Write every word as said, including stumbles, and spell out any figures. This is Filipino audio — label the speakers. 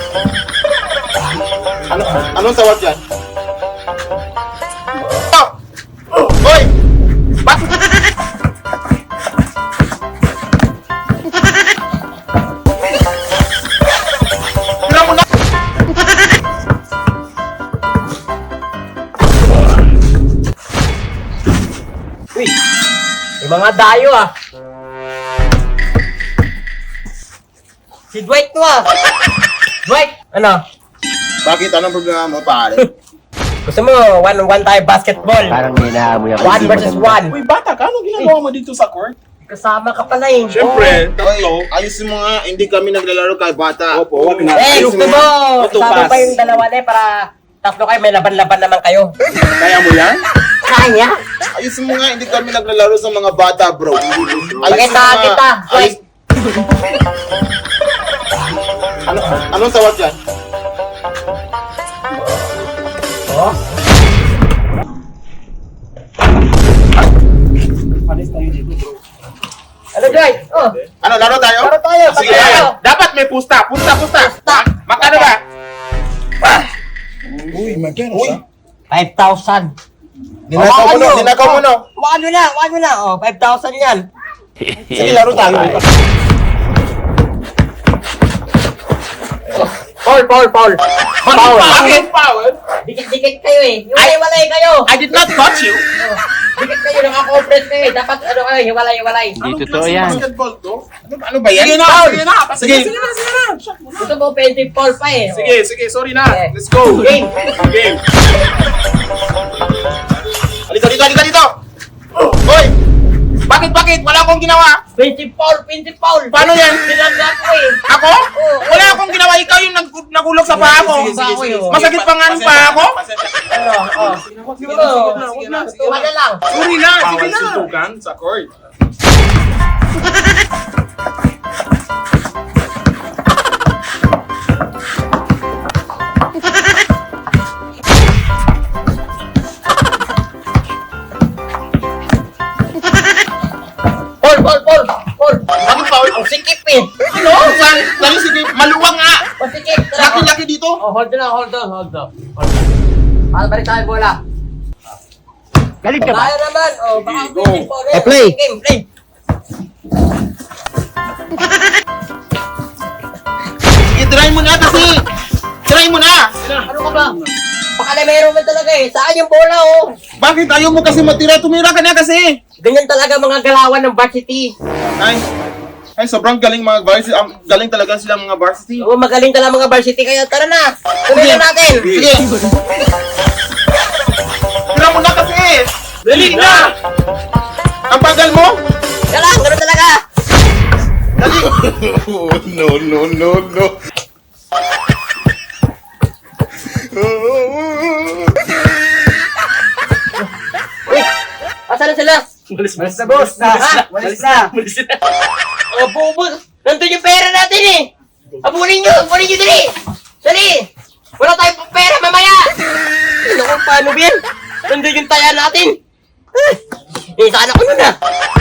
Speaker 1: Ano, anong tawag yan? Oh! Hoy! Bak Tira mo na!
Speaker 2: Uy, may mga dayo ah. Si Dwight to ah. Dwight, ano?
Speaker 1: Bakit? Anong problema mo, pare?
Speaker 2: Gusto mo one-on-one tayo basketball?
Speaker 3: Parang hinahamon mo yung
Speaker 2: One versus one.
Speaker 4: Uy, bata ka, anong ginagawa mo dito sa court?
Speaker 2: Kasama ka pala eh.
Speaker 4: Siyempre,
Speaker 1: Hoy,
Speaker 4: tatlo.
Speaker 1: ayusin mo nga, hindi kami naglalaro kay bata.
Speaker 4: Opo, wag na.
Speaker 2: Eh, gusto mo,
Speaker 4: Auto
Speaker 2: sama
Speaker 4: pass.
Speaker 2: pa yung dalawa na eh para tatlo kayo, may laban-laban naman kayo.
Speaker 4: Kaya mo yan?
Speaker 2: Kaya?
Speaker 1: Ayusin mo nga, hindi kami naglalaro sa mga bata, bro. Ayusin
Speaker 2: Pakita
Speaker 1: mo nga.
Speaker 2: kita, Dwight.
Speaker 1: Ayus- Ano, anong tawag yan?
Speaker 2: Oh?
Speaker 4: Panis tayo dito, bro.
Speaker 2: Ano, Dwight? Oh,
Speaker 1: Ano, laro tayo?
Speaker 2: laro tayo.
Speaker 1: Sige,
Speaker 2: laro tayo.
Speaker 1: dapat may pusta, pusta, pusta.
Speaker 2: Pusta.
Speaker 1: Magkano ba?
Speaker 4: Uy, magkano
Speaker 1: Uy,
Speaker 4: siya?
Speaker 2: five thousand.
Speaker 1: dinakaw mo no, dinakaw mo no.
Speaker 2: Wag mo na, wag mo na. Oh, five thousand yan.
Speaker 1: Sige, laro tayo.
Speaker 2: Paul, Paul, Paul. Paul.
Speaker 1: Bakit? Foul?
Speaker 2: Dikit-dikit kayo eh. Hiwalay-walay kayo.
Speaker 1: I did not touch you.
Speaker 2: Dikit kayo, naka-compress kayo eh. Dapat ano kayo, hiwalay-walay.
Speaker 3: Hindi totoo yan.
Speaker 4: Basketball to?
Speaker 1: Ano, ano ba yan?
Speaker 4: Sige na,
Speaker 2: Foul.
Speaker 4: sige na.
Speaker 1: Sige.
Speaker 4: Sige na, sige na. Shot mo na.
Speaker 2: Gusto mo offensive Paul pa eh.
Speaker 4: Sige, sige, sorry na.
Speaker 2: Okay.
Speaker 4: Let's go.
Speaker 2: Game.
Speaker 4: Game.
Speaker 1: Halika dito, halika dito. Hoy! Bakit, bakit? Wala akong ginawa.
Speaker 2: Offensive Paul, offensive Paul.
Speaker 1: Paano yan?
Speaker 2: Nilagyan ko eh.
Speaker 1: Ako? Wala akong ginawa. Ikaw yung nag nagulog sa paa ko.
Speaker 4: Sige, sige, sige, sige.
Speaker 1: Masakit pa nga ng paa ko.
Speaker 2: Ano, oh.
Speaker 4: Sige na, sige na, sige na, sige
Speaker 2: Tuwa
Speaker 4: na.
Speaker 2: na lang.
Speaker 4: Sorry na, sige na. Suntukan sa court.
Speaker 2: Paul, Paul, Paul. Paul.
Speaker 1: Bakit foul?
Speaker 2: Ang sikip eh.
Speaker 1: Ano? Saan? Dali, sige. Maluwang nga.
Speaker 2: Pasikip.
Speaker 1: Laki-laki dito.
Speaker 2: Oh, hold on, hold on, hold on. Para balik tayo bola.
Speaker 3: Galing ka ba?
Speaker 2: Tayo naman. Oh, baka
Speaker 4: Sige, go.
Speaker 2: offensive Paul.
Speaker 3: Eh, play.
Speaker 2: Game, play.
Speaker 1: Sige, try mo na kasi. Try mo na.
Speaker 2: Ano ka ba? Baka meron man talaga eh. Saan yung bola oh?
Speaker 1: Bakit ayaw mo kasi matira? Tumira ka na kasi.
Speaker 2: Ganyan talaga mga galawan ng varsity.
Speaker 1: Ay, ay sobrang galing mga varsity. Um, galing talaga sila mga varsity.
Speaker 2: Oo, magaling talaga mga varsity. Kaya tara na. Tuloy na natin.
Speaker 1: Sige. Tira mo na kasi. Dali na. Ang bagal mo.
Speaker 2: Kaya lang, gano'n talaga.
Speaker 1: Dali. no, no, no, no.
Speaker 2: Uy, asan na sila?
Speaker 4: Malis na, boss.
Speaker 2: Ha?
Speaker 4: Malis na.
Speaker 2: Oh, bubo. Nandun yung pera natin eh. Abulin nyo, abulin nyo dali. Dali. Wala tayong pera mamaya. Ano kung paano ba yan? Nandun yung taya natin. Eh, sana ko nun ah.